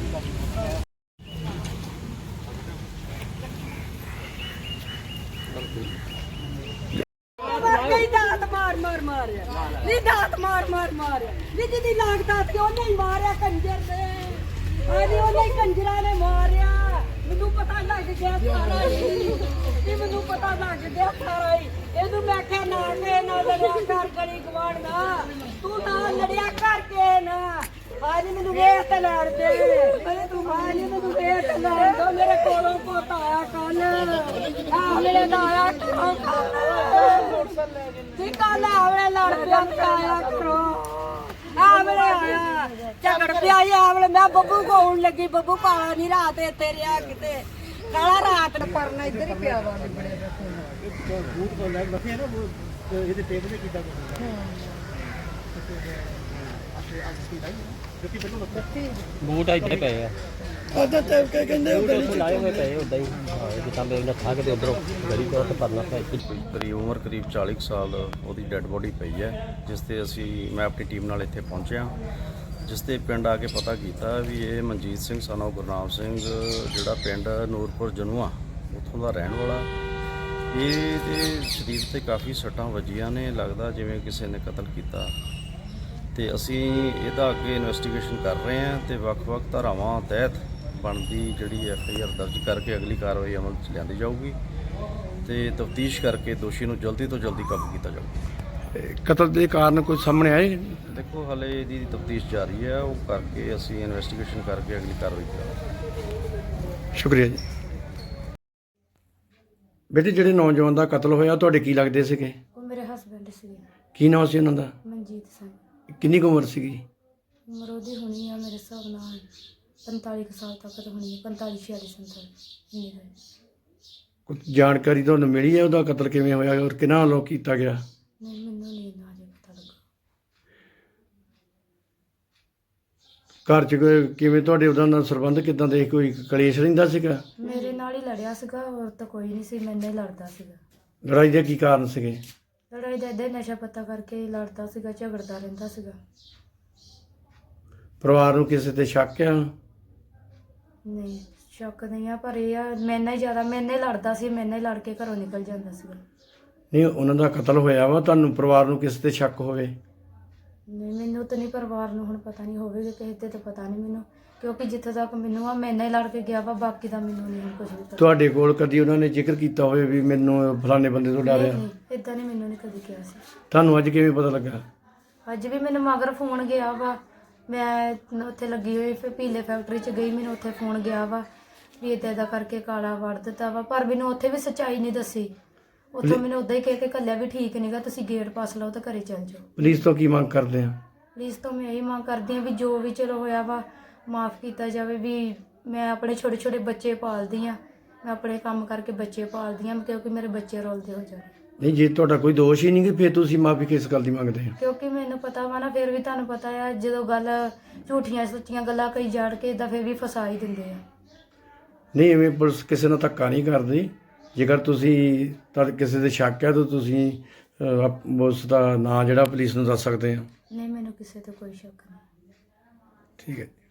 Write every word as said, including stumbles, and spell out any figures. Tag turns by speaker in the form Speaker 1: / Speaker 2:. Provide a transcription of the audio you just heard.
Speaker 1: दात मार मार मारिया नी दात मार मार मारिया नी जिदी लागदा सी ओने ही मारिया कंजर ने अरे ओने ही कंजरा ने मारिया मैनू पता लग गया सारा ही मैनू पता लग गया सारा ही ਇਹਨੂੰ ਮੈਂ ਕਿਹਾ ਨਾ ਕੇ ਨਾ ਲੜਿਆ ਕਰ ਗਲੀ ਗਵਾੜ ਨਾ ਤੂੰ ਨਾ ਲੜਿਆ ਕਰਕੇ ਨਾ ਅੱਜ ਮੈਨੂੰ ਵੇਖ ਤੇ ਲੜ ਦੇ ਅਰੇ ਤੂੰ ਅੱਜ ਮੈਨੂੰ ਵੇਖ ਤੇ ਲੜ ਦੋ ਮੇਰੇ ਕੋਲੋਂ ਪੋਤਾ ਆਇਆ ਕੱਲ ਆ ਮੇਰੇ ਦਾ ਆਇਆ ਜੀ ਕੱਲ ਆਵਲੇ ਲੜ ਪਿਆ ਆਇਆ ਕਰੋ ਆਵਲੇ ਆਇਆ ਝਗੜ ਪਿਆ ਆਵਲੇ ਮੈਂ ਬੱਬੂ ਕੋਣ ਲੱਗੀ ਬੱਬੂ ਕਾਲਾ ਨਹੀਂ ਰਾਤ ਇੱਥੇ ਰਿਹਾ ਕਿਤੇ ਕਾਲਾ ਰਾਤ ਨੂੰ ਪਰਨਾ ਇੱਧਰ ਹੀ ਪਿਆ ਵਾ ਬੂਟ ਤੋਂ ਲੈ ਰੱਖੇ ਨਾ ਇਹਦੇ ਟੇਬਲ ਤੇ ਕੀਤਾ
Speaker 2: ਬੂਟ ਇੱਥੇ ਪਏ ਆ
Speaker 3: ਆਦਾ ਟਾਈਪ ਕੇ ਕਹਿੰਦੇ ਉਹ
Speaker 2: ਗਲੀ ਲਾਏ ਹੋਏ ਪਏ ਉਦਾਂ ਹੀ ਜਿੱਦਾਂ ਬੇਲ ਨੱਠਾ ਕੇ ਤੇ ਉਧਰੋਂ ਗਲੀ ਤੋਂ ਪਰਨਾ ਪਿਆ
Speaker 4: ਕਰੀਬ ਉਮਰ ਕਰੀਬ ਚਾਲੀ ਸਾਲ ਉਹਦੀ ਡੈੱਡ ਬੋਡੀ ਪਈ ਹੈ, ਜਿਸ ਤੇ ਅਸੀਂ ਮੈਂ ਆਪਣੀ ਟੀਮ ਨਾਲ ਇੱਥੇ ਪਹੁੰਚਿਆ, ਜਿਸ ਤੇ ਪਿੰਡ ਆ ਕੇ ਪਤਾ ਕੀਤਾ ਵੀ ਇਹ ਮਨਜੀਤ ਸਿੰਘ ਸਨ ਗੁਰਨਾਮ ਸਿੰਘ ਜਿਹੜਾ ਪਿੰਡ ਨੂਰਪੁਰ ਜਨੂਆ ਉੱਥੋਂ ਦਾ ਰਹਿਣ ਵਾਲਾ। ਇਹਦੇ ਸਰੀਰ ਤੇ ਕਾਫੀ ਸੱਟਾਂ ਵੱਜੀਆਂ ਨੇ, ਲੱਗਦਾ ਜਿਵੇਂ ਕਿਸੇ ਨੇ ਕਤਲ ਕੀਤਾ ਤੇ ਅਸੀਂ ਇਹਦਾ ਅੱਗੇ ਇਨਵੈਸਟੀਗੇਸ਼ਨ ਕਰ ਰਹੇ ਹਾਂ ਤੇ ਵੱਖ-ਵੱਖ ਧਾਰਾਵਾਂ ਤਹਿਤ ਬਣਦੀ ਜਿਹੜੀ ਐਫ ਆਈ ਆਰ ਦਰਜ ਕਰਕੇ ਅਗਲੀ ਕਾਰਵਾਈ ਅਮਲ 'ਚ ਲਿਆਂਦੀ ਜਾਊਗੀ ਤੇ ਤਫਤੀਸ਼ ਕਰਕੇ ਦੋਸ਼ੀ ਨੂੰ ਜਲਦੀ ਤੋਂ ਜਲਦੀ ਕਾਬੂ ਕੀਤਾ ਜਾਊਗਾ।
Speaker 3: ਕਤਲ ਦੇ ਕਾਰਨ ਕੋਈ ਸਾਹਮਣੇ ਆਏ?
Speaker 4: ਦੇਖੋ ਹਾਲੇ ਇਹਦੀ ਤਫਤੀਸ਼ ਜਾਰੀ ਹੈ, ਉਹ ਕਰਕੇ ਅਸੀਂ ਇਨਵੈਸਟੀਗੇਸ਼ਨ ਕਰਕੇ ਅਗਲੀ ਕਾਰਵਾਈ ਕਰਾਂਗੇ।
Speaker 3: ਸ਼ੁਕਰੀਆ ਜੀ। ਬੇਟੇ ਜਿਹੜੇ ਨੌਜਵਾਨ ਦਾ ਕਤਲ ਹੋਇਆ ਤੁਹਾਡੇ ਕੀ ਲੱਗਦੇ ਸੀਗੇ?
Speaker 5: ਉਹ ਮੇਰੇ ਹਸਬੈਂਡ ਸੀ।
Speaker 3: ਕੀ ਨਾਮ ਸੀ ਉਹਨਾਂ ਦਾ?
Speaker 5: ਮਨਜੀਤ ਸਿੰਘ।
Speaker 3: ਕਿੰਨੀ ਕੁ ਉਮਰ ਸੀਗੀ?
Speaker 5: ਉਮਰ ਉਹਦੀ ਹੋਣੀ ਆ ਮੇਰੇ ਹਿਸਾਬ ਨਾਲ ਪੰਤਾਲੀ ਕੁ ਸਾਲ ਤੱਕ ਤਾਂ ਹੋਣੀ ਹੈ, ਪੰਤਾਲੀ ਛਿਆਲੀ ਸੰਤਾਲੀ ਇੰਨੀ ਦਾ।
Speaker 3: ਕੁਝ ਜਾਣਕਾਰੀ ਤੁਹਾਨੂੰ ਮਿਲੀ ਹੈ ਉਹਦਾ ਕਤਲ ਕਿਵੇਂ ਹੋਇਆ ਔਰ ਕਿਹਨਾਂ ਵੱਲੋਂ ਕੀਤਾ ਗਿਆ?
Speaker 5: ਨਹੀਂ ਮੈਨੂੰ ਨਹੀਂ ਨਾ ਅਜੇ ਪਤਾ ਲੱਗਾ।
Speaker 3: ਘਰ 'ਚ ਕੋਈ ਕਿਵੇਂ ਤੁਹਾਡੇ ਉਹਦਾ ਨਾਲ ਸੰਬੰਧ ਕਿੱਦਾਂ ਦੇ? ਕੋਈ ਕਲੇਸ਼ ਰਹਿੰਦਾ ਸੀਗਾ?
Speaker 5: ਮੇਰੇ ਨਾਲ ਹੀ ਲੜਿਆ ਸੀਗਾ, ਹੋਰ ਤਾਂ ਕੋਈ ਨਹੀਂ ਸੀ, ਮੈਨੇ ਹੀ ਲੜਦਾ ਸੀਗਾ।
Speaker 3: ਲੜਾਈ ਦੇ ਕੀ ਕਾਰਨ ਸੀਗੇ?
Speaker 5: ਲੜਾਈ ਦਾ ਇੱਦਾਂ ਨਸ਼ਾ ਪੱਤਾ ਕਰਕੇ ਹੀ ਲੜਦਾ ਸੀਗਾ, ਝਗੜਦਾ ਰਹਿੰਦਾ ਸੀਗਾ।
Speaker 3: ਪਰਿਵਾਰ ਨੂੰ ਕਿਸੇ ਤੇ ਸ਼ੱਕ ਆ?
Speaker 5: ਨਹੀਂ ਸ਼ੱਕ ਨਹੀਂ ਆ, ਪਰ ਇਹ ਆ ਮੈਨੇ ਹੀ ਜ਼ਿਆਦਾ ਮੈਨੇ ਲੜਦਾ ਸੀ, ਮੈਨੇ ਲੜ ਕੇ ਘਰੋਂ ਨਿਕਲ ਜਾਂਦਾ ਸੀਗਾ।
Speaker 3: ਨਹੀਂ ਉਹਨਾਂ ਦਾ ਕਤਲ ਹੋਇਆ ਵਾ, ਤੁਹਾਨੂੰ ਪਰਿਵਾਰ ਨੂੰ ਕਿਸੇ ਤੇ ਸ਼ੱਕ ਹੋਵੇ?
Speaker 5: ਨਹੀਂ ਮੈਨੂੰ ਤਾਂ ਨਹੀਂ, ਪਰਿਵਾਰ ਨੂੰ ਹੁਣ ਪਤਾ ਨਹੀਂ ਹੋਵੇਗਾ, ਕਿਸੇ ਤੇ ਤਾਂ ਪਤਾ ਨਹੀਂ ਮੈਨੂੰ, ਕਿਉਂਕਿ ਜਿੱਥੇ ਤੱਕ ਮੈਨੂੰ ਆ ਮੈਨੇ ਲੜ ਕੇ ਗਿਆ ਵਾ, ਬਾਕੀ ਦਾ ਮੈਨੂੰ ਨਹੀਂ ਕੁਝ ਵੀ ਪਤਾ।
Speaker 3: ਤੁਹਾਡੇ ਕੋਲ ਕਦੀ ਉਹਨਾਂ ਨੇ ਜ਼ਿਕਰ ਕੀਤਾ ਹੋਵੇ ਵੀ ਮੈਨੂੰ ਫਲਾਣੇ ਬੰਦੇ ਤੋਂ ਡਰਿਆ?
Speaker 5: ਨਹੀਂ ਇਦਾਂ ਨਹੀਂ, ਮੈਨੂੰ ਨਹੀਂ ਕਦੀ ਕਿਹਾ ਸੀ।
Speaker 3: ਤੁਹਾਨੂੰ ਅੱਜ ਕਿਵੇਂ ਪਤਾ ਲੱਗਾ?
Speaker 5: ਅੱਜ ਵੀ ਮੈਨੂੰ ਮਗਰ ਫੋਨ ਗਿਆ ਵਾ, ਮੈਂ ਉੱਥੇ ਲੱਗੀ ਹੋਈ ਫਿਰ ਪੀਲੇ ਫੈਕਟਰੀ 'ਚ ਗਈ, ਮੈਨੂੰ ਉੱਥੇ ਫੋਨ ਗਿਆ ਵਾ ਵੀ ਇੱਦਾਂ ਇੱਦਾਂ ਕਰਕੇ ਕਾਲਾ ਵੜ ਦਿੱਤਾ ਵਾ, ਪਰ ਮੈਨੂੰ ਉੱਥੇ ਵੀ ਸੱਚਾਈ ਨਹੀਂ ਦੱਸੀ। ਉੱਥੋਂ ਮੈਨੂੰ ਉੱਦਾਂ ਹੀ ਕਹਿ ਕੇ ਘੱਲਿਆ ਵੀ ਠੀਕ ਨਹੀਂਗਾ, ਤੁਸੀਂ ਗੇਟ ਪਾਸ ਲਓ ਤਾਂ ਘਰੇ ਚੱਲ ਜਾਓ।
Speaker 3: ਪੁਲਿਸ ਤੋਂ ਕੀ ਮੰਗ ਕਰਦੇ ਆ?
Speaker 5: ਪੁਲਿਸ ਤੋਂ ਮੈਂ ਇਹੀ ਮੰਗ ਕਰਦੀ ਹਾਂ ਵੀ ਜੋ ਵੀ ਚਲੋ ਹੋਇਆ ਵਾ ਮਾफ़ ਕੀਤਾ ਜਾਵੇ। ਵੀ ਮੈਂ ਆਪਣੇ ਛੋਟੇ ਛੋਟੇ ਬੱਚੇ ਪਾਲਦੀ ਹਾਂ, ਮੈਂ ਆਪਣੇ ਕੰਮ ਕਰਕੇ ਬੱਚੇ ਪਾਲਦੀ ਹਾਂ, ਕਿਉਂਕਿ ਮੇਰੇ ਬੱਚੇ ਰੋਲਦੇ ਹੋ ਜਾਣ।
Speaker 3: ਨਹੀਂ ਜੇ ਤੁਹਾਡਾ ਕੋਈ ਦੋਸ਼ ਹੀ ਨਹੀਂ ਕਿ ਫਿਰ ਤੁਸੀਂ ਮਾਫੀ ਕਿਸ ਗੱਲ ਦੀ ਮੰਗਦੇ ਆ?
Speaker 5: ਕਿਉਂਕਿ ਮੈਨੂੰ ਪਤਾ ਵਾ ਨਾ, ਫਿਰ ਵੀ ਤੁਹਾਨੂੰ ਪਤਾ ਆ ਜਦੋਂ ਗੱਲ ਝੂਠੀਆਂ ਸੱਚੀਆਂ ਗੱਲਾਂ ਕਈ ਜੜ ਕੇ ਇਦਾਂ ਫਿਰ ਵੀ ਫਸਾ ਹੀ ਦਿੰਦੇ ਆ।
Speaker 3: ਨਹੀਂ ਐਵੇਂ ਪੁਲਿਸ ਕਿਸੇ ਨਾਲ ਧੱਕਾ ਨਹੀਂ ਕਰਦੀ। ਜੇਕਰ ਤੁਸੀਂ ਤਾਂ ਕਿਸੇ ਦੇ ਸ਼ੱਕ ਹੈ ਤਾਂ ਤੁਸੀਂ ਉਸ ਦਾ ਨਾਂ ਜਿਹੜਾ ਪੁਲਿਸ ਨੂੰ ਦੱਸ ਸਕਦੇ ਆ।
Speaker 5: ਨਹੀਂ ਮੈਨੂੰ ਕਿਸੇ ਤੇ ਕੋਈ ਸ਼ੱਕ ਨਹੀਂ।
Speaker 3: ਠੀਕ ਹੈ।